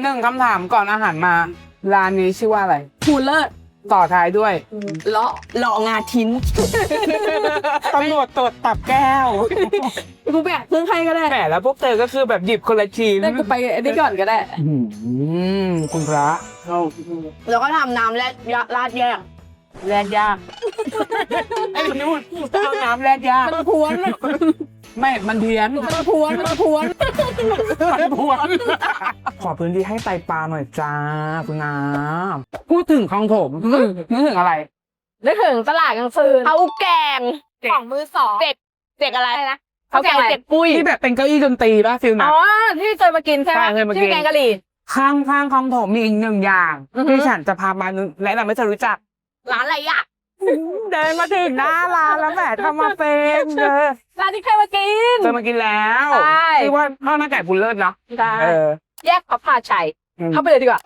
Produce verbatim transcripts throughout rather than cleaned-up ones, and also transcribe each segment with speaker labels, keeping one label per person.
Speaker 1: หนึ่งคำถามก่อนอาหารมาร้านนี้ชื่อว่าอะไร
Speaker 2: ภูเลิศ
Speaker 1: ต่อท้ายด้วย
Speaker 2: เลาะเลาะงาทิ้น
Speaker 1: ตำรวจตรวจตับแก้ว
Speaker 2: กูแบกเครื่องใครก็ได้
Speaker 1: แหมแล้วพวกเธอก็คือแบบหยิบคนละชิ้น
Speaker 2: ได้กูไปไอ้นี่ก่อนก็ได้
Speaker 1: อืมคุณพระ
Speaker 2: แล้วก็ทำน้ำแรดราดแยก
Speaker 1: แรกยากไอ้นู่นเอาน้ำแรกยาก
Speaker 2: มันพวน
Speaker 1: ไม่ มันเพี้ยน
Speaker 2: มันพวนมันพวน
Speaker 1: มันพวนขอพื้นที่ให้ไตปลาหน่อยจ้าคุณน้ำพูดถึงคลองถมนึกถึงอะไร
Speaker 2: นึกถึงตลาดกลางคืนเอาแกงของมือสองเด็กเด็กอะไรนะเขาแกงเด็กปุ้ย
Speaker 1: ที่แบบเป็นเก้าอี้ดนตรีป่ะฟิลนะ
Speaker 2: อ๋อที่เคยมากินใช่ไหม
Speaker 1: ใช่เคยมากิน
Speaker 2: ชื่อแกงกะหรี่
Speaker 1: ข้างข้างคลองถมมีอีกหนึ่งอย่าง
Speaker 2: อือฮึ
Speaker 1: ที่ฉันจะพามาแนะนำให้เธอรู้จัก
Speaker 2: ร้านอะไรอ่ะ
Speaker 1: เดินมาถึงหน้าร้านแล้วแหมทำมาเป็นเออ
Speaker 2: ร้านที่เคยมากิน
Speaker 1: เคยมากินแล้ว
Speaker 2: ใช่
Speaker 1: ชื่อว่าข้าวหน้าไก่บุญเลิศเนาะ
Speaker 2: ได้
Speaker 1: เออ
Speaker 2: แยกพระพาชัย
Speaker 1: อืม
Speaker 2: เข้าไปเลยดีกว่า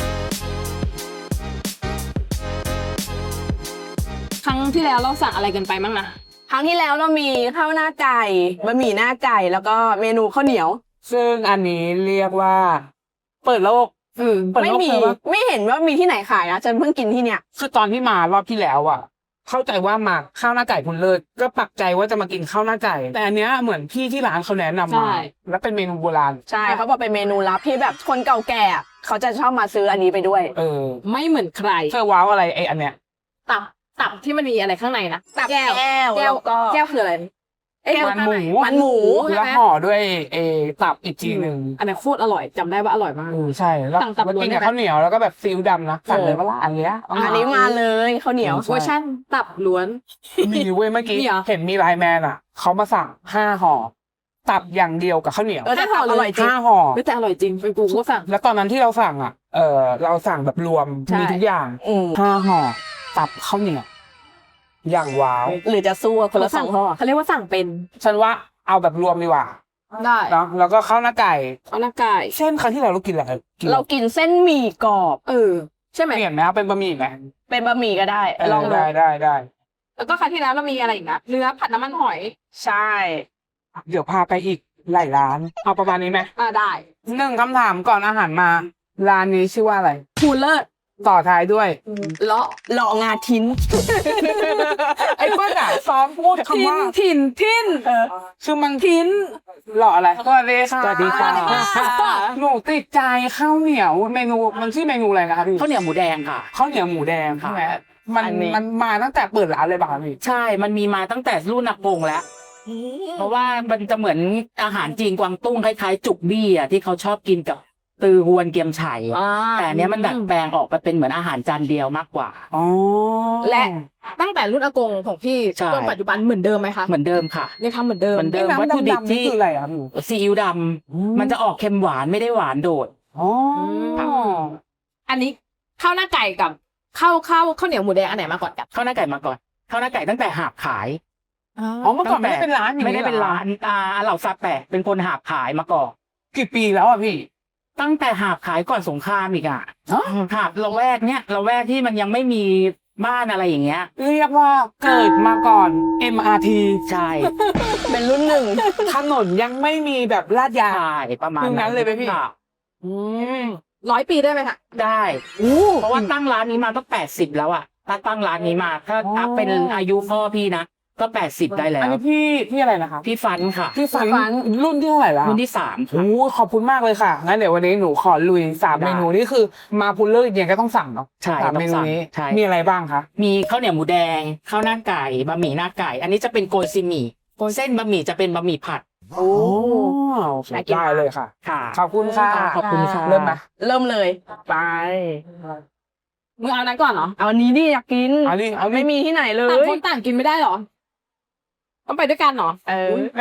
Speaker 2: ครั้งที่แล้วเราสั่งอะไรกันไปบ้างนะครั้งที่แล้วเรามีข้าวหน้าไก่บะหมี่หน้าไก่แล้วก็เมนูข้าวเหนียว
Speaker 1: ซึ่งอันนี้เรียกว่า เปิดโลก
Speaker 2: อืม
Speaker 1: เปิด
Speaker 2: ไม่
Speaker 1: โลก
Speaker 2: มี
Speaker 1: เลยปะ
Speaker 2: ไม่เห็นว่ามีที่ไหนขายนะฉันเพิ่งกินที่เนี่ย
Speaker 1: คือตอนที่มารอบที่แล้วอ่ะ เข้าใจว่ามาข้าวหน้าไก่คุณเลิศก็ปักใจว่าจะมากินข้าวหน้าไก่ แต่อันเนี้ยเหมือนพี่ที่ร้านเขาแนะนำ
Speaker 2: ใช่
Speaker 1: มาแล้วเป็นเมนูโบราณ
Speaker 2: ใช่เขาบอกเป็นเมนูลับที่แบบคนเก่าแก่อะเขาจะชอบมาซื้ออันนี้ไปด้วย
Speaker 1: เออ
Speaker 3: ไม่เหมือนใคร
Speaker 1: เธอว้าวอะไรไออันเนี้ย
Speaker 3: ตับตับที่มันมีอะไรข้างในนะ
Speaker 2: ตับ
Speaker 3: แก้ว
Speaker 2: แก้ว
Speaker 3: แก้ว
Speaker 2: แล้วก็
Speaker 3: แก้วคืออะไรเอ้ย
Speaker 1: มันหมู
Speaker 2: มันหมู
Speaker 3: ใช่ไหม
Speaker 1: แล้วห่อด้วยเอตับอีกทีหนึ่ง
Speaker 3: อันนั้นโคตรอร่อยจำได้ว่าอร่อยมาก
Speaker 1: เออใช่แล้ว
Speaker 3: สั่งตับ
Speaker 1: แล้ว
Speaker 3: ล้วน
Speaker 1: กิน
Speaker 3: ได้
Speaker 1: กับ
Speaker 3: ไหม
Speaker 1: ข้าวเหนียวแล้วก็แบบซีอิ๊วดำนะสั่งเลยว่าละอันเนี้ย
Speaker 2: อันนี้มาเลยข้าวเหนียว
Speaker 1: ใช่
Speaker 3: เวอร์ชันตับล้วน
Speaker 1: มีเว้ยเมื่อกี้
Speaker 3: มีเหรอ
Speaker 1: เห็นมีไลน์แมนอ่ะเขามาสั่งห้าห่อตับอย่างเดียวกับข้าวเหนียว
Speaker 2: เออแต่ตับอร่อยจริง
Speaker 1: ห้าห่อ
Speaker 3: ไม่แต่อร่อยจริงไปกูก็สั่ง
Speaker 1: แล้วตอนนั้นที่เราสั่งอ่ะ เออเราสั่งแบบรวม
Speaker 3: ใช่
Speaker 1: มีทุกอย่าง
Speaker 2: อืม
Speaker 1: ห้าห่อตับข้าวเหนียวอย่างว้าว
Speaker 2: หรือจะสู้กับคนละสองห่อ
Speaker 3: เขาเรียกว่าสั่งเป็น
Speaker 1: ฉันว่าเอาแบบรวมดีกว่า
Speaker 3: ได้
Speaker 1: เนาะแล้วก็ข้าวหน้าไก่
Speaker 3: เอาหน้าไก่
Speaker 1: เช่นครั้งที่เราเรากินอะไรกิน
Speaker 2: เรากินเส้นหมี่กรอบ
Speaker 3: เออใช่ไหม
Speaker 1: เปลี่ยนไหมเอาเป็นบะหมี่ไหม
Speaker 2: เป็นบะหมี่ก็ได้
Speaker 1: เออ
Speaker 2: ลองดู
Speaker 1: ได้ได้ได้
Speaker 3: แล้วก็ครั้งที่แล้วเรามีอะไรอีกนะเนื้อผัดน้ำมันหอย
Speaker 2: ใช่
Speaker 1: เดี๋ยวพาไปอีกหลายร้านเอาประมาณนี้ไหม
Speaker 3: อ่าได้
Speaker 1: หนึ่งคำถามก่อนอาหารมาร้านนี้ชื่อว่าอะไร
Speaker 3: ภูเลิศ
Speaker 1: ต่อท้ายด้วย
Speaker 2: เลาะเลาะงาทิ้น
Speaker 1: ไอ้เปิ้ลอะซ้อมพูดคำว่า
Speaker 3: ถิ่นถิ่น
Speaker 2: เออ
Speaker 1: คือมันทิ้นหล่ออะไรสวัสดีค่ะ
Speaker 3: สวัสดีค่ะ
Speaker 1: หนูติดใจข้าวเหนียวเมนูมันชื่อเมนูอะไรนะคะพี่
Speaker 4: ข้าวเหนียวหมูแดงค่ะ
Speaker 1: ข้าวเหนียวหมูแดงใช่ไหมมัน
Speaker 2: อันนี้
Speaker 1: มันมาตั้งแต่เปิดร้านเลยป่ะคะพี่
Speaker 4: ใช่ มันมีมาตั้งแต่รุ่นนักปงแล้ว เพราะว่ามันจะเหมือนอาหารจีนกวางตุ้งคล้ายๆ จุกบี้อ่ะที่เขาชอบกินกับตือฮวนเกียมไฉแต่อันเนี้ยมันดัดแปลงออกไปเป็นเหมือนอาหารจานเดียวมากกว่า
Speaker 1: อ๋อ
Speaker 3: และตั้งแต่รุ่นอากงของพี่
Speaker 4: ใช่
Speaker 3: จนปัจจุบันเหมือนเดิมไหมคะ
Speaker 4: เหมือนเดิมค่ะ
Speaker 3: ยังทำเหมือนเดิม
Speaker 4: เหมือนเดิม
Speaker 1: ไอ้
Speaker 4: วัตถุดิบ
Speaker 1: น้ำดำๆนี่
Speaker 4: ที่
Speaker 1: คืออะไรครับพี่
Speaker 4: ซีอิ๊วดำมันจะออกเค็มหวานไม่ได้หวานโดด
Speaker 1: อ๋อ
Speaker 3: อันนี้ข้าวหน้าไก่กับข้าวข้าวข้าวเหนียวหมูแดงอันไหนมาก่อนกัน
Speaker 4: ข้าวหน้าไก่มาก่อนข้าวหน้าไก่ตั้งแต่หาบขาย
Speaker 1: อ๋อเมื่อก่อนไม่ได้เป็นร้านอย่าง
Speaker 4: ไม่
Speaker 1: นี้
Speaker 4: ได้เป็น
Speaker 1: หอ
Speaker 4: ร้านอ่าเหล่าซาแปะเป็นคนหาบขายมาก่อน
Speaker 1: กี่ปีแล้วอ่ะพี่
Speaker 4: ตั้งแต่หาบขายก่อนสงครามอีกอ่ะ
Speaker 1: ฮะ
Speaker 4: หาบละแวกเนี้ยละแวกที่มันยังไม่มีบ้านอะไรอย่างเงี้ย
Speaker 1: เรียกว่าเกิดมาก่อน เอ็ม อาร์ ที
Speaker 4: ใช่
Speaker 2: เป็นรุ่นหนึ่ง
Speaker 1: ถนนยังไม่มีแบบลาดยาง
Speaker 4: ใช่ประมาณ
Speaker 1: คืองั้นเลยไหมพี่
Speaker 4: ค่ะ
Speaker 1: อืม
Speaker 3: ร้อยปีได้ไหมคะ
Speaker 4: ได้
Speaker 1: อู้
Speaker 4: เพราะว่าตั้งร้านนี้มาตั้งแปดสิบแล้วอ่ะถ้าตั้งร้านนี้มา ถ้าถ้าเป็นอายุพ่อพี่นะก็แปดสิบได้แล้
Speaker 1: อัน
Speaker 4: ว
Speaker 1: นี้พี่พี่อะไรนะคะ
Speaker 4: พี่ฟันค่ะ
Speaker 1: พี่ฟันรุ่นที่เท่าไหร่แล้ว
Speaker 4: รุ่นที่สามค่ะ
Speaker 1: โอ้ขอบคุณมากเลยค่ะงั้นเดี๋ยววันนี้หนูขอลุยสาม
Speaker 4: ได้
Speaker 1: เมนูนี่คือมาพูลเลอร์อย่างก็ต้องสั่งเนาะ
Speaker 4: ใช่
Speaker 1: สาม
Speaker 4: ต้
Speaker 1: เม
Speaker 4: อง
Speaker 1: นู
Speaker 4: สั่ง
Speaker 1: นี้
Speaker 4: ใช่
Speaker 1: มีอะไรบ้างคะ
Speaker 4: มีข้าวเหนียวหมูแดงข้าวหน้าไก่บะหมี่หน้าไก่ อันนี้จะเป็นโกยซีหมี่เส้นบะหมี่จะเป็นบะหมี่ผัด
Speaker 1: โอ้ได้เลยค่ะ
Speaker 4: ค่ะ
Speaker 1: ขอบคุณค่ะ
Speaker 4: ขอบคุณค่ะ
Speaker 1: เริ่มไหม
Speaker 2: เริ่มเลย
Speaker 1: ไป
Speaker 3: มึงเอานั้นก่อนเหรอ
Speaker 2: เอาอันนี้ดิอยากกิน
Speaker 1: เอาดิเอาดิ
Speaker 2: ไม่มีที่ไหนเล
Speaker 3: ต่าง
Speaker 2: ย
Speaker 3: คนต่างกินไม่ได้เหรอ ต้องไปด้วยกันเหรอ
Speaker 2: เออ
Speaker 1: แหม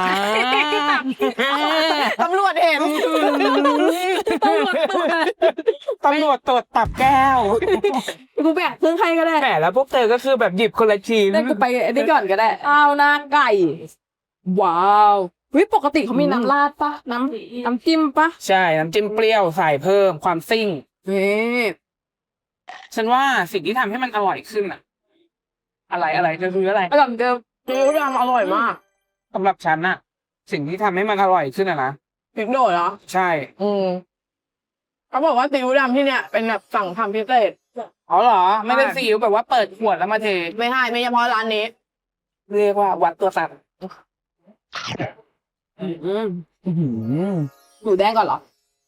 Speaker 2: ตำรวจเห็น
Speaker 1: ตำรวจตรวจตับแก้ว
Speaker 3: กูแบกเครื่องใครก็ได้
Speaker 1: แหมแล้วพวกเธอก็คือแบบหยิบคนละชิ้น
Speaker 3: ได้กูไปไอ้นี่ก่อนก็ได้ข้าวหน้าไก่ ว้าวเฮ้ยปกติเขามีน้ำราดปะน้ำน้ำจิ้มปะ
Speaker 1: ใช่น้ำจิ้มเปรี้ยวใส่เพิ่มความซิ่ง
Speaker 3: เฮ้ย
Speaker 1: ฉันว่าสิ่งที่ทำให้มันอร่อยขึ้นอะอะไรอะไรจะคืออะไร
Speaker 3: อร่อยเหมือนเดิม
Speaker 2: ซีอิ๊วดำอร่อยมาก
Speaker 1: สำหรับฉันน่ะ สิ่งที่ทำให้มันอร่อยขึ้นอะนะ
Speaker 2: พริกโดดเหรอ
Speaker 1: ใช่
Speaker 2: อืมเขาบอกว่าซีอิ๊วดำที่เนี่ยเป็นแบบสั่งทำพิเศษ
Speaker 1: อ๋อเหรอ ไม่ได้ซีอิ๊วแบบว่าเปิดขวดแล้วมาเท
Speaker 2: ไม่ให้ไม่เฉพาะร้านนี้
Speaker 1: เรียกว่าวัดตัวสัตว์
Speaker 3: อืม
Speaker 1: อื้อหือ
Speaker 3: หมูแดงก่อนเหรอ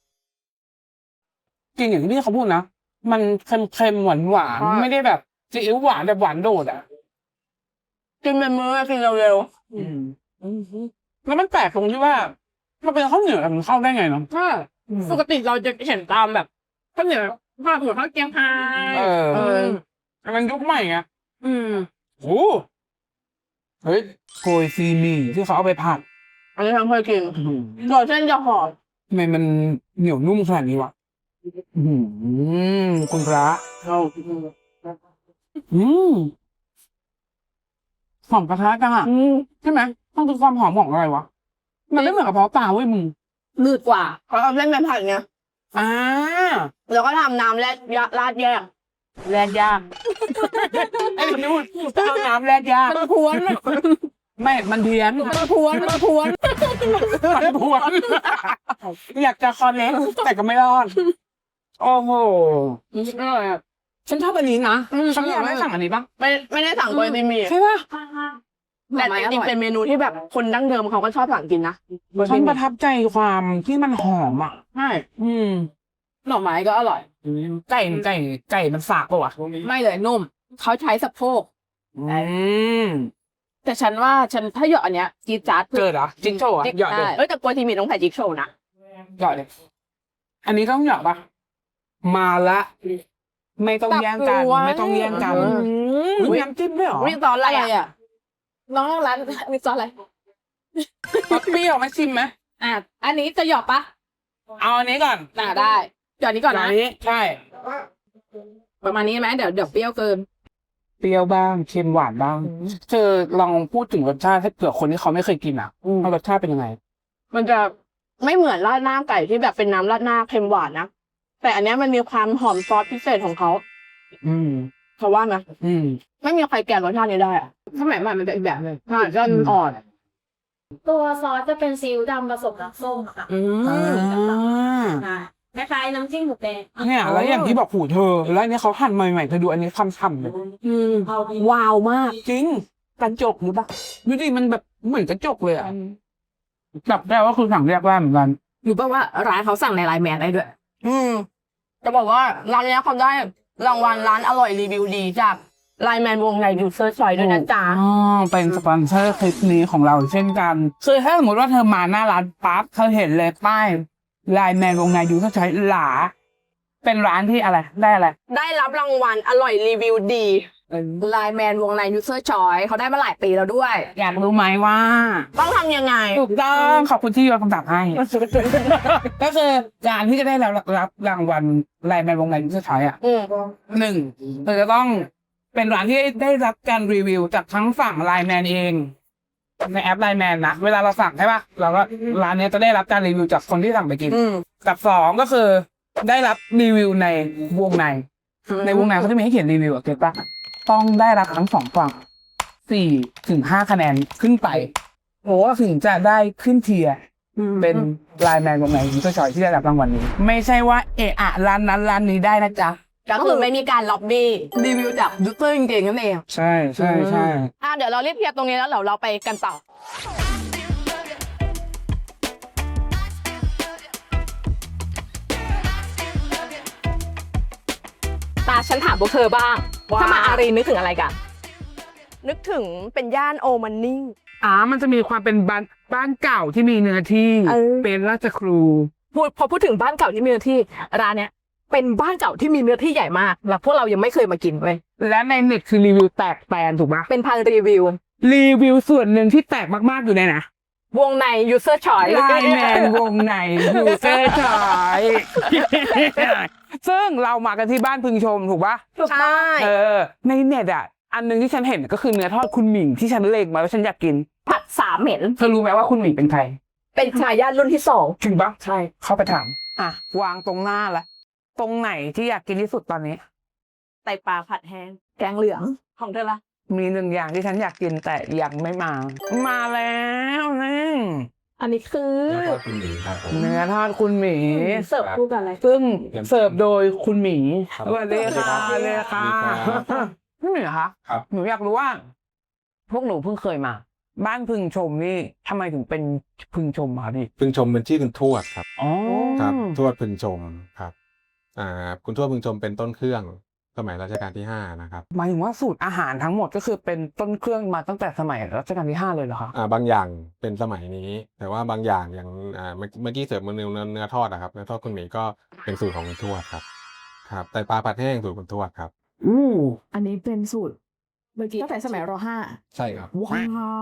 Speaker 1: จริงอย่างที่เขาพูดนะ มันเค็มๆหวานหวาน
Speaker 2: ใช่
Speaker 1: ไม่ได้แบบซีอิ๊วหวานแบบหวานโดดอ่ะ
Speaker 2: กินเป็นมื้อกินเร็ว
Speaker 1: อืมแล้วมันแปลกตรงที่ว่ามันเป็นข้าวเหนียวแต่มันเข้าได้ไงเนาะ
Speaker 3: ใช่ปกติเราจะเห็นตามแบบข้าวเหนียวข้าวเหนียวข้าวเกี๊ยวไฮ
Speaker 1: เออ
Speaker 3: เออ
Speaker 1: อันนั้นยุคใหม่ไง
Speaker 3: อืม
Speaker 1: โอ้เฮ้ยโกยซีหมี่ที่เขาเอาไปผัด
Speaker 2: ๆอันนี้ทำเคยกิน
Speaker 1: อื้อหือ
Speaker 2: ตัวเส้นจะหอม
Speaker 1: ทำไมมันเหนียวนุ่มขนาดนี้วะอื้อหือคุณพระอืมหอมกระทะจังอ่ะ
Speaker 2: อืม
Speaker 1: ใช่ไหมต้องคือความหอมของอะไรวะ มันไม่เหมือนกระเพาะปลาเว้ยมึง
Speaker 3: นืดกว่า
Speaker 2: เขาเอาเส้นไปผัดไง
Speaker 1: อ่า
Speaker 2: แล้วก็ทำน้ำแรดยะราดแยก
Speaker 1: แรดยากไอ้นี่พูดเอาน้ำแรดยาก
Speaker 3: มันพวน
Speaker 1: ไม่ มันเพี้ยน
Speaker 3: มันพวนมันพวน
Speaker 1: มันพวนอยากจะคอนเน็กแต่ก็ไม่รอด โอ้โห
Speaker 3: อร่อยอ่ะ
Speaker 1: ฉันชอบอันนี้นะ
Speaker 2: อืม
Speaker 1: ฉันอยากได้สั่งอันนี้ปะ
Speaker 2: ไม่ไม่ได้สั่งโกยซีหมี่
Speaker 1: ใช่ปะ
Speaker 2: แต่จริงๆเป็นเมนูที่แบบคนดั้งเดิมเขาก็ชอบสั่งกินนะ
Speaker 1: ฉันประทับใจความที่มันหอมอ่ะ
Speaker 2: ใช่
Speaker 1: อืม
Speaker 3: หน่อไม้ก็อร่อย
Speaker 1: ไก่ไก่ไก่มันฝากปะวะ
Speaker 3: ไม่เลยนุ่ม เขาใช้สะโพก
Speaker 1: อืม
Speaker 3: แต่ฉันว่าฉันถ้าหยอดอันเนี้ยจีดจัด
Speaker 1: เกิดเหรอจิ๊กโชว์อะหยอดเลย
Speaker 3: ได้
Speaker 2: เอ้ยแต่โกยซีหมี่ต้องใส่จิ๊กโชว์นะ
Speaker 1: หยอดเลย อันนี้ต้องหยอดปะมาละ ไม่ต้องแย่งกัน ไม่ต้องแย่งกันอุ๊ยน้ำจิ้มด้วยเหรอ
Speaker 2: นี่ซอสอะไร
Speaker 3: อะไร
Speaker 2: อ่ะ
Speaker 3: อ่ะ น้องร้านมีซอสอะไร
Speaker 1: เปรี้ยวไหมชิมไหม
Speaker 3: อ่ะ อันนี้จะหยอดปะ
Speaker 1: เอาอันนี้ก่อน
Speaker 3: น่าได้หยอดนี้ก่อน
Speaker 1: อั
Speaker 3: นะ
Speaker 1: นนี้ใช่
Speaker 3: ประมาณนี้ไหมเดี๋ยวเดี๋ยวเปรี้ยวเกิน
Speaker 1: เปรี้ยวบ้างเค็มหวานบ้างเธอลองพูดถึงรสชาติให้เผื่อคนที่เขาไม่เคยกินอ่ะว่ารสชาติเป็นยังไง
Speaker 2: มันจะไม่เหมือนราดหน้าไก่ที่แบบเป็นน้ำราดหน้าเค็มหวานนะ แต่อันเนี้ยมันมีความหอมซอสพิเศษของเขา
Speaker 1: อืม
Speaker 2: เขาว่านะ
Speaker 1: อืม
Speaker 2: ไม่มีใครแก่รสชาตินี้ได้อะ
Speaker 3: สมัยใหม่มันเป็นอีกแบบหนึง
Speaker 2: ใช่ก็อ่อน
Speaker 5: ตัวซอสจะเป็นซีอิ๊วดำผสมน้ำส้มค่ะ
Speaker 3: อื
Speaker 1: อ่า
Speaker 5: คล้ายๆน้ำจิ้มหมูแดง
Speaker 1: เนี่ยแล้วอย่างที่บอกหูเธอ แล้วอันนี้เขาหั่นใหม่ๆเธอดูอันนี้คำๆเลย
Speaker 3: อืม
Speaker 5: เอาดี
Speaker 2: ว้าวมาก
Speaker 1: จริงกระจกหรือปะดูดิมันแบบเหมือนกระจกเลยอ่ะจับได้ว่าคือสั่งเรียกว่าเหมือนกัน
Speaker 3: รู้ป่ะว่าร้านเขาสั่งในไลน์แมนได้ด้วย
Speaker 2: อืมจะบอกว่าร้านเนี้ยเขาได้รางวัลร้านอร่อยรีวิวดีจากไลน์แมนวงในยูเซอร์ชอยด้วยนะจ๊ะ
Speaker 1: อ๋อเป็นสปอนเซอร์คลิปนี้ของเราเช่นกันคือถ้าสมมติว่าเธอมาหน้าร้านปั๊บเธอเห็นเลยป้ายไลน์แมนวงในยูเขาใช้หลา เป็นร้านที่อะไรได้อะไร
Speaker 2: ได้รับรางวัลอร่อยรีวิวดี
Speaker 3: ไลน์แมนวงในยูเซอร์ชอยเขาได้มาหลายปีแล้วด้วย
Speaker 1: อยากรู้ไหมว่า
Speaker 2: ต้องทำยังไง
Speaker 1: ถูกต้องขอบคุณที่โยนคำถามให้ ก็คือการที่จะได้รับรับรางวัลไลน์แมนวงในยูเขาใช้อ่ะ
Speaker 2: อืม
Speaker 1: หนึ่งเธอจะต้องเป็นร้านที่ได้รับการรีวิวจากทั้งฝั่งไลน์แมนเอง ในแอปไลน์แมนนะเวลาเราสั่งใช่ปะเราก็ร้านเนี้ยจะได้รับการรีวิวจากคนที่สั่งไปกิน
Speaker 2: อืม
Speaker 1: กับสองก็คือได้รับรีวิวในวงใน ในวงในเขาจะมีให้เขียนรีวิวอะเก็ตปะต้องได้รับทั้งสองฝั่งสี่ถึงห้าคะแนนขึ้นไปโอ้ถึงจะได้ขึ้นเทียร์เป็นไลน์แมนวงในยูเซอร์ชอยที่ได้รับรางวัลนี้ ไม่ใช่ว่าเอะอะร้านนั้นร้านนี้ได้นะจ๊ะ
Speaker 2: ก็คือไม่มีการล็อบบี้รีวิวจากยูเซอร์จริงๆนั่นเอง
Speaker 1: ใช่ใช่ใช่
Speaker 2: อ่ะเดี๋ยวเราเรียบเทียบตรงนี้แล้วเดี๋ยวเราไปกันต่อ
Speaker 3: ตาฉันถามพวกเธอบ้าง
Speaker 2: ว่า
Speaker 3: ถ้ามาอารีนึกถึงอะไรกัน
Speaker 2: นึกถึงเป็นย่านโอมันนิ่ง
Speaker 1: อ่ามันจะมีความเป็นบ้านบ้านเก่าที่มีเนื้อที่
Speaker 2: เออ
Speaker 1: เป็นราชครู
Speaker 3: พูดพอพูดถึงบ้านเก่าที่มีเนื้อที่ร้านเนี้ยเป็นบ้านเก่าที่มีเนื้อที่ใหญ่มากแล้วพวกเรายังไม่เคยมากินเว้ย
Speaker 1: และในเน็ตคือรีวิวแตกแตนถูกปะ
Speaker 3: เป็นพันรีวิว
Speaker 1: รีวิวส่วนหนึ่งที่แตกมากๆอยู่ในนะ
Speaker 3: วงใน user choice
Speaker 1: ไลน์แมนวงในยูเซอร์ชอยซึ่งเรามากันที่บ้านพึงชมถูกปะ
Speaker 2: ใช่
Speaker 1: เออ ในเน็ตอ่ะ อันหนึงที่ฉันเห็นก็คือเนื้อทอดคุณหมิงที่ฉันเล็งมาแล้วฉันอยากกิน
Speaker 3: ผัดสามเหม็น
Speaker 1: เธอรู้ไหมว่าคุณหมิงเป็นใคร
Speaker 3: เป็นชายาทรุ่นที่สอง
Speaker 1: จริงปะ
Speaker 3: ใช่
Speaker 1: เข้าไปถาม อ่ะ วางตรงหน้าละ ตรงไหนที่อยากกินที่สุดตอนนี้
Speaker 2: ไตปลาผัดแห้ง
Speaker 3: แกงเหลือง
Speaker 2: ของเธอละ
Speaker 1: มีหนึ่งอย่างที่ฉันอยากกินแต่ยังไม่มา มาแล้วนี่
Speaker 3: ออันนี้คือ
Speaker 6: แล้วก็คุณหมีครับผม
Speaker 1: เนื้อทอดคุณหมี
Speaker 3: เสิร์ฟคู่กันอะไร
Speaker 1: ซึ่งเสิร์ฟโดยคุณหมี
Speaker 6: ครับ
Speaker 1: สวัสดีค่ะสวัสดีค่ะ
Speaker 6: สวัสดีครับ
Speaker 1: พี่หมีคะ
Speaker 6: ครับ
Speaker 1: หนูอยากรู้ว่า พวกหนูเพิ่งเคยมา บ้านพึงชมนี่ทำไมถึงเป็นพึงชมมาพี่
Speaker 6: พึงชมเป็นชื่อคุณทวดครับ
Speaker 1: อ๋อ
Speaker 6: ครับทวดพึงชมครับอ่าคุณทวดพึงชมเป็นต้นเครื่องสมัยรัชกาลที่ห้านะครับ
Speaker 1: หมายถึงว่าสูตรอาหารทั้งหมดก็คือเป็นต้นเครื่องมาตั้งแต่สมัยรัชกาลที่ห้าเลยเหรอคะ
Speaker 6: อ่าบางอย่างเป็นสมัยนี้ แต่ว่าบางอย่างอย่างอ่าเมื่อเมื่อกี้เสิร์ฟเนื้อเนื้อเนื้อทอดอะครับเนื้อทอดคุณหมีก็เป็นสูตรของคุณทวดครับครับไตปลาผัดแห้งสูตรคุณทวดครับ
Speaker 1: อู้
Speaker 3: อันนี้เป็นสูตรเมื่อกี้ตั้งแต่สมัยรห้า
Speaker 6: ใช่ครับ
Speaker 3: ว้าว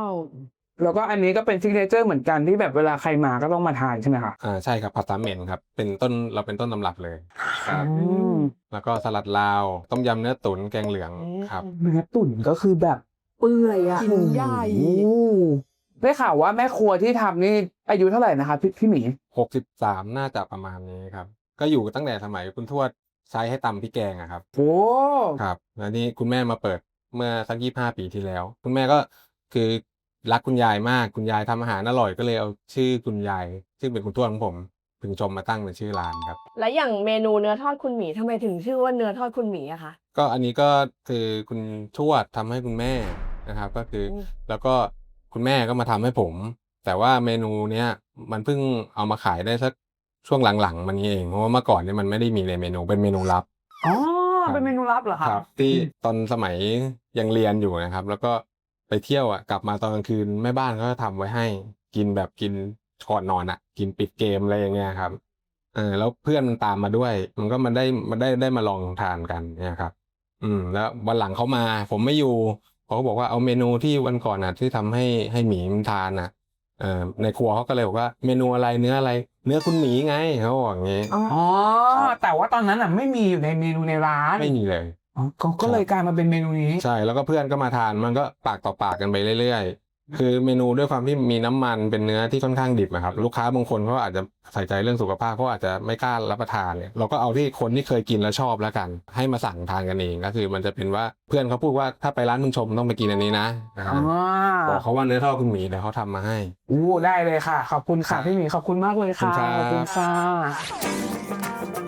Speaker 3: แล้ว
Speaker 1: แล้วก็อันนี้ก็เป็นซิกเนเจอร์เหมือนกันที่แบบเวลาใครมาก็ต้องมาทานใช่ไหมคะ
Speaker 6: อ่าใช่ครับผัดสามเหม็นครับเป็นต้นเราเป็นต้นตำรับเลยครับ
Speaker 1: อืม
Speaker 6: แล้วก็สลัดลาวต้มยำเนื้อตุ๋นแกงเหลืองครับ
Speaker 1: เนื้อตุ๋นก็คือแบบ
Speaker 3: เปื่อยอ่ะชิ้นใหญ่
Speaker 1: โอ้โหได้ข่าวว่าแม่ครัวที่ทำนี่อายุเท่าไหร่นะคะพี่พี่หมี
Speaker 6: หกสิบสามน่าจะประมาณนี้ครับ ก็อยู่ตั้งแต่สมัยคุณทวดใช้ให้ตำพริกแกงอะครับ
Speaker 1: โอ้
Speaker 6: ครับแล้วนี่คุณแม่มาเปิดเมื่อสักยี่ห้าปีที่แล้ว คุณแม่ก็คือรักคุณยายมาก คุณยายทำอาหารอร่อยก็เลยเอาชื่อคุณยาย ซึ่งเป็นคุณทวดของผมพึงชมมาตั้งเป็นชื่อร้านครับ
Speaker 2: และอย่างเมนูเนื้อทอดคุณหมีทำไมถึงชื่อว่าเนื้อทอดคุณหมีอะคะ
Speaker 6: ก็อันนี้ก็คือคุณทวดทำให้คุณแม่นะครับ ก็คืออ
Speaker 2: ม
Speaker 6: แล้วก็คุณแม่ก็มาทำให้ผม แต่ว่าเมนูเนี้ยมันเพิ่งเอามาขายได้สักช่วงหลังๆมันนี้เองเพราะว่าเมื่อก่อนเนี่ยมันไม่ได้มีในเมนูเป็นเมนูลับ
Speaker 1: อ๋อ
Speaker 6: ครับ
Speaker 1: เป็นเมนูลับเหรอคะ
Speaker 6: ครับที่ตอนสมัยยังเรียนอยู่นะครับ แล้วก็ไปเที่ยวอ่ะกลับมาตอนกลางคืนแม่บ้านเขาจะทำไว้ให้กินแบบกินก่อนนอนอ่ะ กินปิดเกมอะไรอย่างเงี้ยครับเออแล้วเพื่อนมันตามมาด้วย มันก็มันได้มันได้ได้มาลองทานกันเนี่ยครับ อืม แล้ววันหลังเขามา ผมไม่อยู่เขาก็บอกว่าเอาเมนูที่วันก่อนน่ะ ที่ทำให้ให้หมีมันทานน่ะเอ่อในครัวเขาก็เลยบอกว่าเมนูอะไรเนื้ออะไร เนื้อคุณหมีไงเขาบอกอย่างงี้
Speaker 1: อ๋อ แต่ว่าตอนนั้นอ่ะไม่มีอยู่ในเมนูในร้าน
Speaker 6: ไม่มีเลย
Speaker 1: อ๋อก็ก็เลยกลายมาเป็นเมนูนี้
Speaker 6: ใช่แล้วก็เพื่อนก็มาทานมันก็ปากต่อปากกันไปเรื่อยๆ คือเมนูด้วยความที่มีน้ำมันเป็นเนื้อที่ค่อนข้างดิบอะครับลูกค้าบางคนเขาอาจจะใส่ใจเรื่องสุขภาพเขาอาจจะไม่กล้ารับประทานเนี่ยเราก็เอาที่คนที่เคยกินแล้วชอบแล้วกัน ให้มาสั่งทานกันเองก็คือมันจะเป็นว่าเพื่อนเขาพูดว่าถ้าไปร้านมึงชมต้องไปกินอันนี้นะนะครับ
Speaker 1: อ๋อ
Speaker 6: บอกเขาว่าเนื้อทอดคุณหมีแต่เขาทำมาให้
Speaker 1: อู้ได้เลยค่ะ ขอบคุณค่ะพี่หมีขอบคุณมากเลยค่ะ
Speaker 6: ข
Speaker 1: ข
Speaker 6: อ
Speaker 1: อ
Speaker 6: บบ คุ
Speaker 1: คุณ ณ
Speaker 6: ครั
Speaker 1: ค่ะ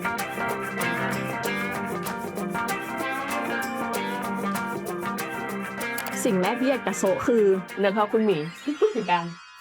Speaker 3: สิ่งแรกที่อยากจะโซะคือ
Speaker 2: เนื้อทอดคุณหมีกัน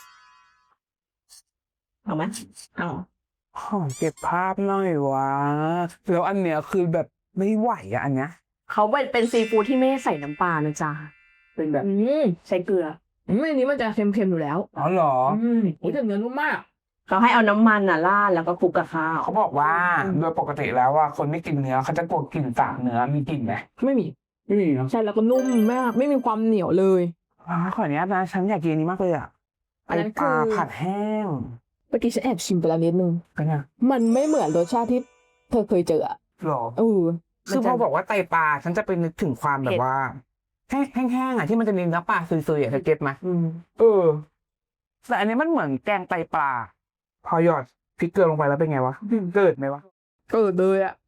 Speaker 2: เอาไหมเอา
Speaker 1: ขอเก็บภาพหน่อยวะแล้วอันเนี้ยคือแบบไม่ไหวอะอันเนี้ย
Speaker 2: เขาเป็นเป็นซีฟู้ดที่ไม่ใส่น้ำปลานะจ๊ะเป็นแบบ
Speaker 3: อืม
Speaker 2: ใช้เกลือ
Speaker 3: อืมอันนี้มันจะเค็มๆอยู่แล้ว
Speaker 1: อ๋อเหรอ
Speaker 3: อืมโอ้ยแต่เนื้อนุ่มมาก
Speaker 2: เขาให้เอาน้ำมันน่ะราดแล้วก็คลุกกับข้าว
Speaker 1: เขาบอกว่าโดยปกติแล้วว่าคนไม่กินเนื้อเขาจะกลัวกลิ่นสาบเนื้อมีกลิ่นไหม
Speaker 3: ไม่มี
Speaker 1: ไม่มีเนาะ
Speaker 3: ใช่แล้วก็นุ่มมากไม่มีความเหนียวเลย
Speaker 1: อ่าขออนุญาตนะฉันอยากกินอันนี้มากเลยอะ
Speaker 3: อันนั้น
Speaker 1: ไปลา
Speaker 3: คือ
Speaker 1: ผัดแห้ง
Speaker 3: เมื่อกี้ฉันแอบชิมไปแล้วนิดนึง
Speaker 1: เป็นไง
Speaker 3: มันไม่เหมือนรสชาติที่เธอเคยเจออะ
Speaker 1: หรอ
Speaker 3: เออ
Speaker 1: คือพอบอกว่าไตปลาฉันจะไปนึกถึงความแบบว่าแห้งแห้งๆอะที่มันจะมีเนื้อปลาซุยๆอะเธอเก็ตไหม
Speaker 2: อืม
Speaker 1: เออแต่อันนี้มันเหมือนแกงไตปลา พอหยอดพริกเกลือลงไปแล้วเป็นไงวะเกิดไหมวะ
Speaker 3: เกิดเลยอะ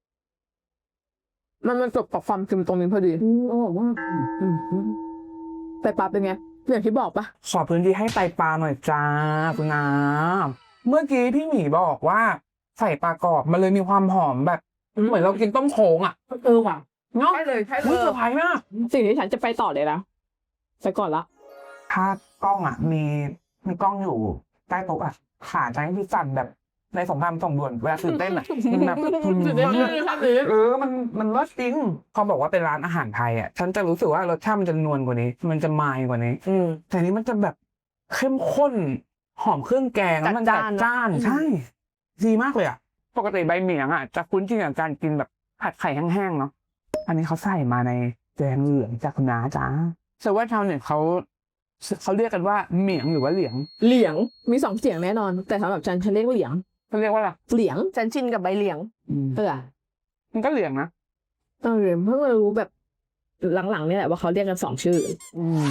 Speaker 3: มันมันจบกับความเค็มตรงนี้พอดี
Speaker 2: อืมอร่อยมาก
Speaker 3: อืมอืมแต่ปลาเป็นไงอย่างที่บอกปะ
Speaker 1: ขอพื้นที่ให้ไตปลาหน่อยจ้าคุณน้ำเมื่อกี้พี่หมีบอกว่าใส่ปลากรอบมันเลยมีความหอมแบบ เหมือนเรากินต้มโค้งอ่ะ
Speaker 3: เออว่ะ
Speaker 1: เนาะ
Speaker 3: ใช่เลยใช่เล
Speaker 1: อุ้ย
Speaker 3: ย
Speaker 1: เซอร์ไพรส์มาก
Speaker 3: สิ่งที่ฉันจะไปต่อเลยนะไปก่อนละ
Speaker 1: ถ้ากล้องอ่ะ มีมีกล้องอยู่ใต้โต๊ะอ่ะขาจะให้พี่สั่นแบบในสงครามส่งด่วนเวลาตื่นเต้นอ่ะมันแบบ
Speaker 3: จุดเด่นเลยครับนี้
Speaker 1: เออมันมันรสจริงพอบอกว่าเป็นร้านอาหารไทยอ่ะฉันจะรู้สึกว่ารสชาติมันจะนวลกว่านี้ มันจะมายกว่านี้
Speaker 2: อืม
Speaker 1: แต่นี้มันจะแบบเข้มข้นหอมเครื่องแกงแล้วมัน
Speaker 2: จั
Speaker 1: จั
Speaker 2: ด
Speaker 1: ด
Speaker 2: จ้าน
Speaker 1: จ้าน
Speaker 2: อืม
Speaker 1: ใช่ดีมากเลยอ่ะปกติใบเหมียงอ่ะจะคุ้นชินกับการกินแบบผัดไข่แห้งๆเนาะอันนี้เขาใส่มาในแกงเหลืองจากคุณน้าจ้าแต่ว่าชาวเน็ตเขาเขาเรียกกันว่าเหมียงหรือว่าเหลียง
Speaker 3: เหลียงมีสองเสียงแน่นอน แต่สำหรับฉันฉันเรียกว่าเหลียง
Speaker 1: เขาเรียกว่าอะไร
Speaker 3: เหลียง
Speaker 2: ฉันชินกับใบเหลียง
Speaker 3: เออ
Speaker 1: มันก็เหลียงนะ
Speaker 3: เออเพิ่งมารู้แบบหลังๆนี่แหละว่าเขาเรียกกันสองชื่อ
Speaker 1: อืม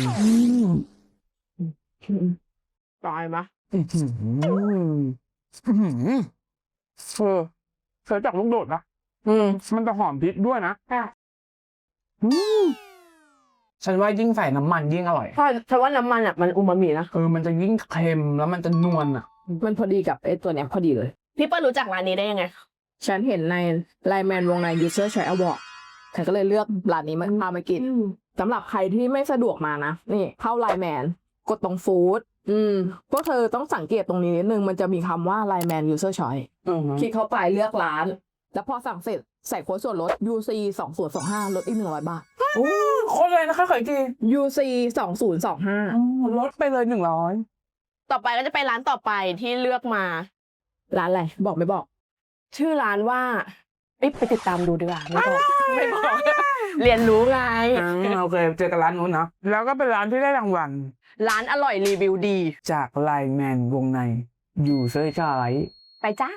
Speaker 3: ตายมะ
Speaker 1: อื้อหืออื้อหือเออเธอจากลูกโดดนะ
Speaker 2: อืม
Speaker 1: มันจะหอมพริกด้วยนะ
Speaker 2: ค่ะ
Speaker 1: อืมฉันว่ายิ่งใส่น้ำมันยิ่งอร่อย
Speaker 2: เพราะฉันว่าน้ำมันอ่ะมันอูมามินะ
Speaker 1: เออมันจะยิ่งเค็มแล้วมันจะนวลอ่ะ
Speaker 3: มันพอดีกับไอ้ตัวเนี้ยพอดีเลย
Speaker 2: พี่เปิ้ลรู้จักร้านนี้ได้ยังไง
Speaker 3: ฉันเห็นในไลแมนวงใน User Choice Award ฉันก็เลยเลือกร้านนี้มาพามากินสำหรับใครที่ไม่สะดวกมานะ นี่เข้าไลแมนกดตรงฟู้ดอืมพวกเธอต้องสังเกตตรงนี้นิดนึง มันจะมีคำว่าไลแมน User Choice คลิกเข้าไปเลือกร้าน แล้วพอสั่งเสร็จใส่โค้ดส่วนลด ยู ซี สองศูนย์สองห้า ลดอีกหนึ่งร้อยบาท
Speaker 1: โอ้โคตรเลยนะคะขออีกที
Speaker 3: ยู ซี สองศูนย์สองห้า
Speaker 1: ลดไปเลยหนึ่งร้อย
Speaker 2: ต่อไปก็จะไปร้านต่อไปที่เลือกมา
Speaker 3: ร้านอะไร บอกไม่บอก
Speaker 2: ชื่อร้านว่าเอ้ยไปติดตามดูดีกว่าไม่บอกไม่บอก เรียนรู้ไง
Speaker 1: โอเคเจอกันร้านนู้นเนาะแล้วก็เป็นร้านที่ได้รางวัล
Speaker 2: ร้านอร่อยรีวิวดี
Speaker 1: จากไลแมนวงในอยู่เซอร์ชาย
Speaker 2: ไปจ้า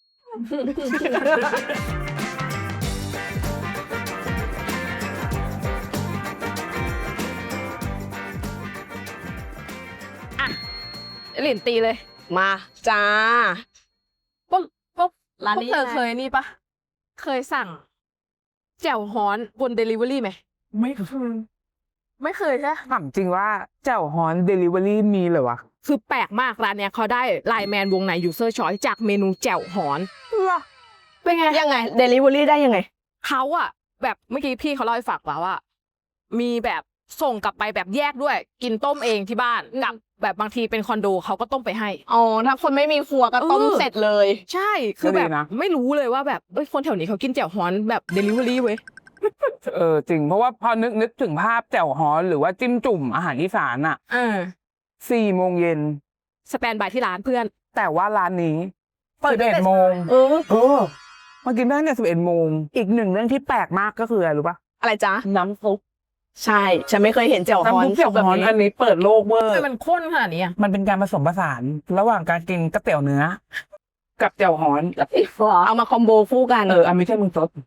Speaker 3: หลินตีเลย
Speaker 2: มาจ้า
Speaker 3: ปุ๊บปุ๊บ
Speaker 2: ร้านนี้
Speaker 3: พวกเธอเคยนี่ปะ เคยสั่ง แจ่วฮ้อนบน Delivery ไหม
Speaker 1: ไม่เคย
Speaker 3: ไม่เคยใช่
Speaker 1: ถามจริงว่าเจ้าฮอนเดลิเวอรี่มีเหรอวะ
Speaker 3: คือแปลกมากร้านเนี้ยเขาได้ไลแมนวงใน User Choice จากเมนูแจ่วฮ้อน เป็นไง
Speaker 2: ยังไงเดลิเวอรี่ได้ยังไง
Speaker 3: เขาอะแบบเมื่อกี้พี่เขาเล่าให้ฟังว่าว่า มีแบบส่งกลับไปแบบแยกด้วย กินต้มเองที่บ้านกับแบบบางทีเป็นคอนโดเขาก็ต้มไปให้
Speaker 2: อ๋อ ถ้าคนไม่มีครัวก็ต้ม
Speaker 3: เออ
Speaker 2: เสร็จเลย
Speaker 3: ใช่ คือแบบ
Speaker 1: ก็ดีนะ
Speaker 3: ไม่รู้เลยว่าแบบเอ้ยคนแถวนี้เขากินแจ่วฮ้อนแบบ Delivery เว้ย
Speaker 1: เออจริงเพราะว่าพอนึกนึกถึงภาพแจ่วฮอนหรือว่าจิ้มจุ่มอาหารอีสานอะ
Speaker 3: เออ
Speaker 1: สี่โมงเย็น
Speaker 3: สแตนบายที่ร้านเพื่อน
Speaker 1: แต่ว่าร้านนี้เปิดเอ็ดโมง
Speaker 2: เออ
Speaker 1: เออมากินได้ตั้งแต่สิบเอ็ดโมงอีกหนึ่งเรื่องที่แปลกมากก็คืออะไรรู้ปะ
Speaker 2: อะไรจ๊ะ
Speaker 1: น้ำซุป
Speaker 2: ใช่ ฉันไม่เคยเห็นแจ่วฮอน
Speaker 1: น้ำซุปแจ่ว
Speaker 2: แบบ
Speaker 1: ฮอน
Speaker 2: นี้
Speaker 1: อันนี้เปิดโลกเวอร์
Speaker 3: ทำไมมันข้นขนาดนี้อะ
Speaker 1: มันเป็นการผสมผสานระหว่างการกินก๋วยเตี๋ยวเนื้อ กับแจ่วฮอนกับ
Speaker 2: เอามาคอมโบคู่กัน
Speaker 1: เอออันไม่ใช่มึงซด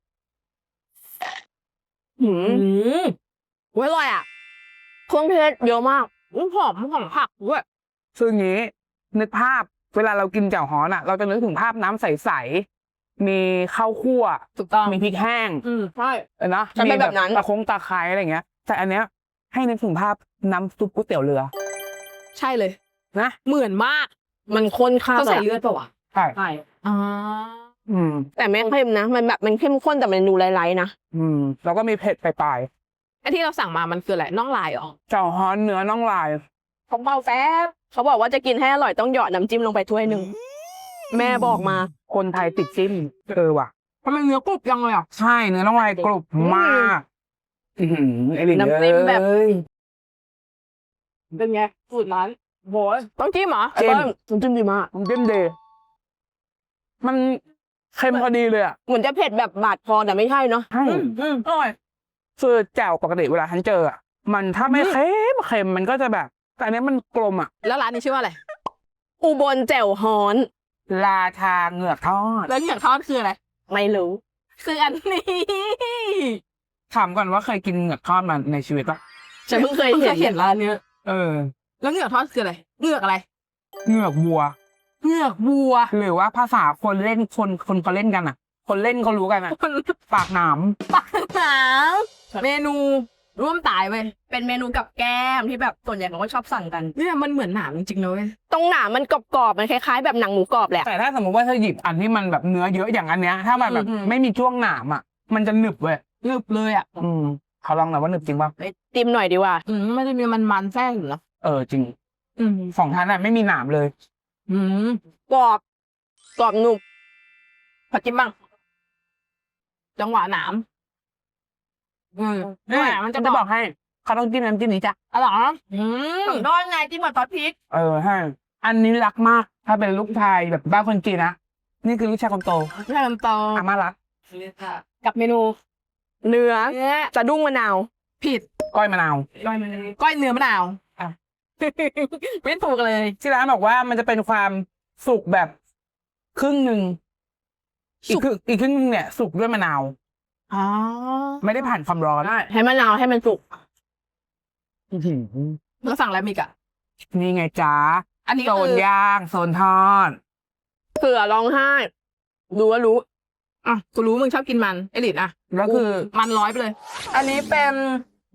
Speaker 2: หืม
Speaker 3: อืมเว้ยอร่อยอ่ะ
Speaker 2: เครื่องเทศเยอะมาก
Speaker 3: อื้อหอมหอมผักด้วย
Speaker 1: คืออย่างนี้ นึกภาพเวลาเรากินแจ่วฮอนอ่ะ เราจะนึกถึงภาพน้ำใสๆมีข้าวคั่ว
Speaker 3: ถูกต้อง
Speaker 1: มีพริกแห้ง
Speaker 3: อืมใช่
Speaker 1: เออนะ
Speaker 2: ฉันเป็นแบบนั้น
Speaker 1: ตะคงตะไคร้อะไรอย่างเงี้ย แต่อันเนี้ยให้นึกถึงภาพน้ำซุปก๋วยเตี๋ยวเรือ
Speaker 3: ใช่เลย
Speaker 1: นะ
Speaker 3: เหมือนมาก
Speaker 2: มันข้นข้าว
Speaker 3: เขาใส่เลือดปะวะ
Speaker 1: ใช่
Speaker 3: ใช่อ่า
Speaker 1: อืม
Speaker 2: แต่ไม่เค็มนะ มันแบบมันเข้มข้นแต่มันดูไร้ๆนะ
Speaker 1: อืมแล้วก็มีเผ็ดปลาย
Speaker 3: ไอ้ที่เราสั่งมามันคืออะไรน่องลายเหรอ
Speaker 1: ๆแจ่วฮอนเนื้อน่องลาย
Speaker 2: ผมเบาแฟบเขาบอกว่าจะกินให้อร่อยต้องหยอดน้ำจิ้มลงไปถ้วยหนึ่ง แม่บอกมา
Speaker 1: คนไทยติดจิ้มเออว่ะ
Speaker 3: ทำไมเนื้อกรุบยังเลยอ่ะ
Speaker 1: ใช่เนื้อน่องลายกรุบมากอือหือไอ้ลิน
Speaker 2: น้ำจิ้มแบบ
Speaker 1: เอ้ย
Speaker 3: เป็นไงสูตรนั้น
Speaker 1: โหย
Speaker 3: ต้องจิ้มเหรอ
Speaker 2: ไอ้เบิ้ลน้ำจิ้มดีมาก
Speaker 1: น้ำจิ้มดีมันเค็มพอดีเลยอ่ะ
Speaker 2: เหมือนจะเผ็ดแบบบาดคอแต่ไม่ใช่เนาะ
Speaker 1: ใช่
Speaker 3: อืมอร่อย
Speaker 1: คือแจ่วปกติเวลาฉันเจออ่ะมันถ้าไม่
Speaker 3: อืม
Speaker 1: เค็มเค็มมันก็จะแบบ แต่อันเนี้ยมันกลมอ่ะ
Speaker 3: แล้วร้านนี้ชื่อว่าอะไร
Speaker 2: อุบลแจ่วฮ้อน
Speaker 1: ราชาเหงือกทอด
Speaker 3: แล้วเหนือกทอดคืออะไร
Speaker 2: ไม่รู้
Speaker 3: คืออันนี้
Speaker 1: ถามก่อนว่าเคยกินเหงือกทอดมาในชีวิตปะ
Speaker 2: ฉันเพิ่งเคยเห็น
Speaker 3: เห็นร้านเนี้ย
Speaker 1: เออ
Speaker 3: แล้วเหนือกทอดคืออะไรเหนือกอะไร
Speaker 1: เหงือกวัว
Speaker 3: เหนือกวัว
Speaker 1: หรือว่าภาษาคนเล่นคนคนเขาเล่นกันอ่ะ คนเล่นเขารู้กันอ่ะ
Speaker 3: มัน
Speaker 1: ปากหนาม
Speaker 3: ปากหนาวเมนูร่วมตายเว้ย
Speaker 2: เป็นเมนูกับแก้มที่แบบส่วนใหญ่เขาก็ชอบสั่งกัน
Speaker 3: เนี่ยมันเหมือนหนามจริงๆเลย
Speaker 2: ตรงหนามมันกรอบๆมันคล้ายๆแบบหนังหมูกรอบแหละ
Speaker 1: แต่ถ้าสมมติว่าเธอหยิบอันที่มันแบบเนื้อเยอะอย่างอันเนี้ย ถ้ามันแบบ
Speaker 3: อืม
Speaker 1: ไม่มีช่วงหนามอ่ะ มันจะหนึบเว้ย
Speaker 3: หนึบเลยอ่ะ
Speaker 1: อืมเขาลองหน่อยว่าหนึบจริงป่ะ
Speaker 2: ไปติมหน่อยดีกว่า
Speaker 3: อืมมันจะมีมันมันๆแทรกอยู่นะ
Speaker 1: เออจริง
Speaker 3: อืม
Speaker 1: สองท่านอ่ะไม่มีหนามเลย
Speaker 3: อืม
Speaker 2: กรอบ กรอบหนุบ
Speaker 3: ขอจิ้มบ้างจังหวะหนามอืมนี่มันจะ
Speaker 1: จะ
Speaker 3: บบ อ
Speaker 1: อก กให้เขาต้องจิ้มน้ำจิ้มนี้จ้ะ
Speaker 3: อร่อยนะอืม
Speaker 2: น้อยไงจิ้มกับซอสพริก
Speaker 1: เออให้อันนี้รักมาก ถ้าเป็นลูกชายแบบบ้านคนจีนนะนี่คือลูกชายคนโต
Speaker 3: แค่น้ำตาล
Speaker 1: อาม่ารัก
Speaker 3: กับเมนู
Speaker 2: เนื้อ
Speaker 3: เนื้อ
Speaker 2: สะดุ้งมะนาว
Speaker 3: ผิด
Speaker 1: ก้อยมะนาว
Speaker 3: ก้อยมะนาวก้อยเนื้อมะนาว
Speaker 1: อ่ะ
Speaker 3: ไม่ถูกเลย
Speaker 1: ที่ร้านบอกว่ามันจะเป็นความสุกแบบครึ่งหนึ่งอีกครึ่งอีกครึ่งหนึงเนี่ย สุกด้วยมะนาว
Speaker 3: อ๋อ
Speaker 1: ไม่ได้ผ่านความร้อน
Speaker 2: ให้มะนาวให้มันสุก
Speaker 1: อื้อหือ
Speaker 3: แล้วสั่งอะไรมีกอะ
Speaker 1: นี่ไงจ้า
Speaker 3: อันนี้
Speaker 1: โซ
Speaker 3: คื
Speaker 1: น
Speaker 3: อย่าง
Speaker 1: โซนทอด
Speaker 2: เผื่อร้องไห้ดูว่ารู้
Speaker 3: อ่ะกูรู้มึงชอบกินมันไอริดอ่ะ
Speaker 1: แล้วคือ
Speaker 3: มันร้อยไปเลย อันนี้เป็น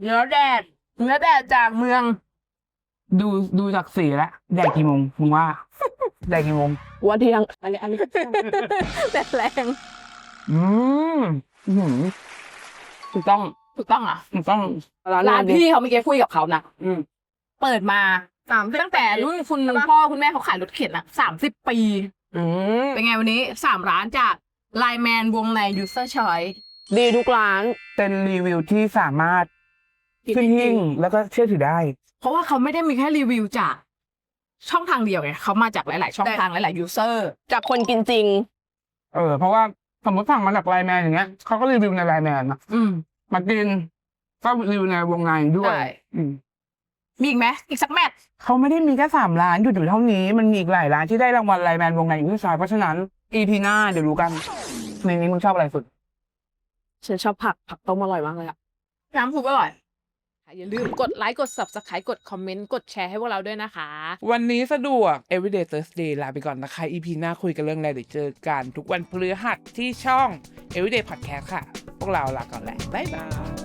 Speaker 3: เนื้อแดดเนื้อแดดจากเมือง
Speaker 1: ดูดูจากสีแล้วแดกกี่โมงมึงว่า แดกกี่โมง
Speaker 2: วันเที่ยงอันนี้อันนี้
Speaker 3: แดดแรง
Speaker 1: อืมอื้อหือถูกต้อง
Speaker 3: ถูกต้องอ่ะ
Speaker 1: ถูกต้อง
Speaker 2: ร้าน
Speaker 3: ร้าน
Speaker 2: นี้
Speaker 3: พี่เขาเมื่อกี้คุยกับเขานะ
Speaker 1: อืม
Speaker 3: เปิดมาสามตั้งแต่รุ่นคุณพ่อคุณแม่เขาขายรถเข็นอะสามสิบปี
Speaker 2: อืม
Speaker 3: เป็นไงวันนี้สามร้านจากไลแมนวงใน user choice
Speaker 2: ดีทุกร้าน
Speaker 1: เป็นรีวิวที่สามารถขึ้นหิ้งแล้วก็เชื่อถือได้
Speaker 3: เพราะว่าเขาไม่ได้มีแค่รีวิวจากช่องทางเดียวไงเขามาจากหลาย ๆ ช่องทางหลาย ๆ user
Speaker 2: จากคนกินจริง
Speaker 1: เออ เพราะว่าสมมติสั่งมาจากไลน์แมนอย่างเงี้ยเขาก็รีวิวในไลน์แมนนะ
Speaker 3: อืม
Speaker 1: มากินก็รีวิวในวงในด้วย
Speaker 3: ใช่
Speaker 1: อืม
Speaker 3: มีอีกไหมอีกสักแมตช์
Speaker 1: เขาไม่ได้มีแค่สามร้านหยุดอยู่เท่านี้ มันมีอีกหลายร้านที่ได้รางวัลไลน์แมนวงในอยู่ที่ซอยเพราะฉะนั้น อี พี หน้าเดี๋ยวรู้กัน ในนี้มึงชอบอะไรสุด
Speaker 2: ฉันชอบผักผักต้มอร่อยมากเลยอะ
Speaker 3: น้ำซุปอร่อย
Speaker 7: อย่าลืมกดไลค์กด Subscribe กดคอมเมนต์กดแชร์ให้พวกเราด้วยนะคะ
Speaker 1: วันนี้สะดวก Everyday Thursday ลาไปก่อนนะคะ อี พี หน้าคุยกันเรื่องอะไรเดี๋ยวเจอกันทุกวันพฤหัสที่ช่อง Everyday Podcast ค่ะ พวกเราลาก่อนแหละ บ๊ายบาย